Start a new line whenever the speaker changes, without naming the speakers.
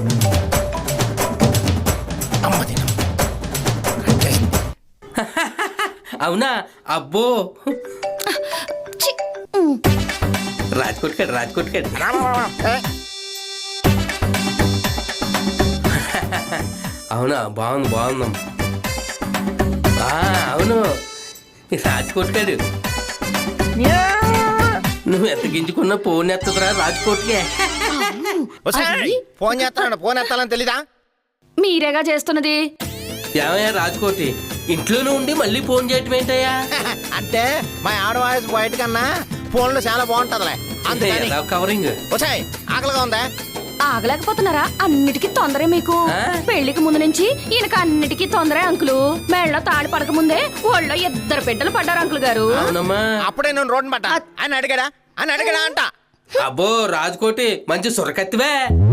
అవునా? అబ్బో రాజ్కోట్ కాడు, రాజ్కోట్ కాడు. అవునా? బాగుంది, బాగుందాం. అవును, రాజ్కోట్ కాడు. నువ్వు ఎంత గింజుకున్నా ఫోన్ ఎత్తదురా రాజ్కోట్కే.
ఫోన్ చేస్తున్నాడు, ఫోన్ ఎత్తాలని తెలీదా?
మీరేగా చేస్తున్నది.
ఏమయ్యా రాజ్కోటి, ఇంట్లోనే ఉండి మళ్ళీ ఫోన్ చేయటం ఏంటయ్యా?
అంటే మా ఆడ వాయిస్ బయట కన్నా ఫోన్లో చాలా బాగుంటదిలే అందుకని.
కవరింగ్.
వచ్చాయి, ఆకలిగా ఉందా?
ఆగలేకపోతున్నారా? అన్నిటికీ తొందరే మీకు. పెళ్లికి ముందు నుంచి ఈయనకి అన్నిటికీ తొందరే అంకులు. మెళ్ళ తాళి పడక ముందే ఒళ్ళో 2 బిడ్డలు పడ్డారు అంకుల్ గారు.
అవునమ్మా.
అప్పుడే నేను రోడ్డు పడ్డా అని అడిగాడా అంట.
అబ్బో రాజ్కోటి మంచి సొరకత్తివే.